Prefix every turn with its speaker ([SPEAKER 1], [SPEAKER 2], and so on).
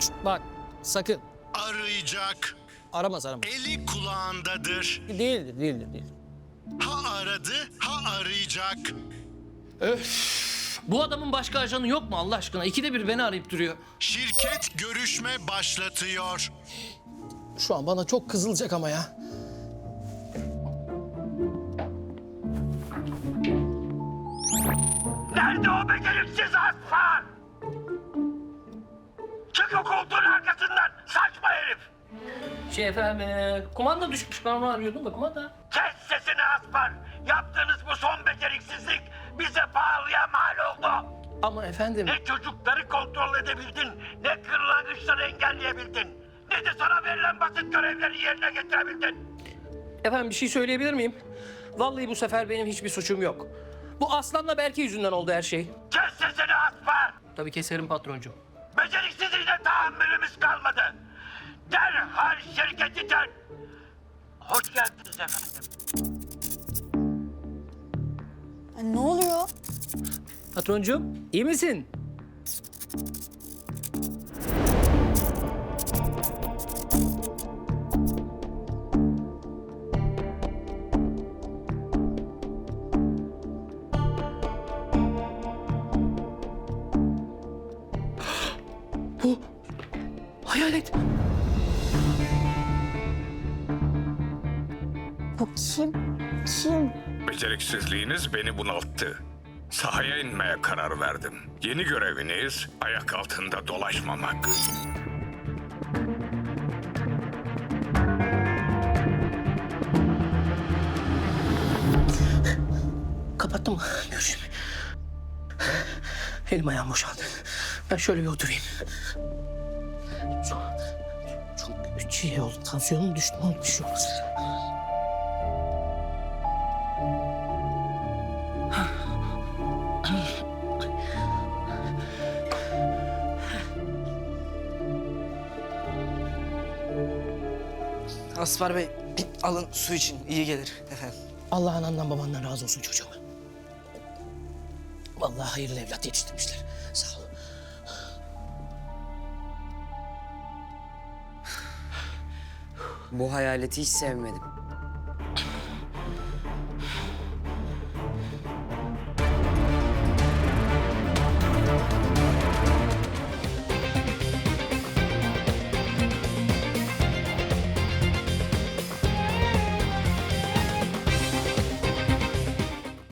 [SPEAKER 1] Şşt, bak sakın.
[SPEAKER 2] Arayacak.
[SPEAKER 1] Aramaz.
[SPEAKER 2] Eli kulağındadır.
[SPEAKER 1] Değildir.
[SPEAKER 2] Ha aradı, ha arayacak.
[SPEAKER 3] Bu adamın başka ajanı yok mu Allah aşkına? İkide bir beni arayıp duruyor.
[SPEAKER 2] Şirket görüşme başlatıyor.
[SPEAKER 1] Şu an bana çok kızılacak ama ya.
[SPEAKER 4] Nerede o beceriksiz aslan? Çık o koltuğun arkasından saçma herif.
[SPEAKER 3] Kumanda düşmüş. Ben onu arıyordum da kumanda.
[SPEAKER 4] Kes sesini Aspar. Yaptığınız bu son beceriksizlik bize pahalıya mal oldu.
[SPEAKER 3] Ama efendim...
[SPEAKER 4] Ne çocukları kontrol edebildin, ne kırlangıçları engelleyebildin, ne de sana verilen basit görevleri yerine getirebildin.
[SPEAKER 3] Efendim bir şey söyleyebilir miyim? Vallahi bu sefer benim hiçbir suçum yok. Bu Aslan'la Berke yüzünden oldu her şey.
[SPEAKER 4] Kes sesini Aspar.
[SPEAKER 3] Tabii keserim patroncuğum.
[SPEAKER 4] Beceriksizliğine tahammülümüz kalmadı. Derhal şirketi terk. Hoş geldiniz efendim.
[SPEAKER 5] Ne oluyor?
[SPEAKER 3] Patroncuğum iyi misin? Bu hayalet.
[SPEAKER 5] Bu kim? Kim?
[SPEAKER 6] Beceriksizliğiniz beni bunalttı. Sahaya inmeye karar verdim. Yeni göreviniz ayak altında dolaşmamak.
[SPEAKER 3] Kapattım mı? Görüşüm. Elim ayağım boşaldı. Ben şöyle bir oturayım. Çok şey oldu. Tansiyonum düştü. Ne oldu? Bir şey olmaz.
[SPEAKER 7] Aspar Bey, alın su için. İyi gelir efendim.
[SPEAKER 3] Allah anandan babandan razı olsun çocuğum. Vallahi hayırlı evlat yetiştirmişler. Sağ ol.
[SPEAKER 8] Bu hayaleti hiç sevmedim.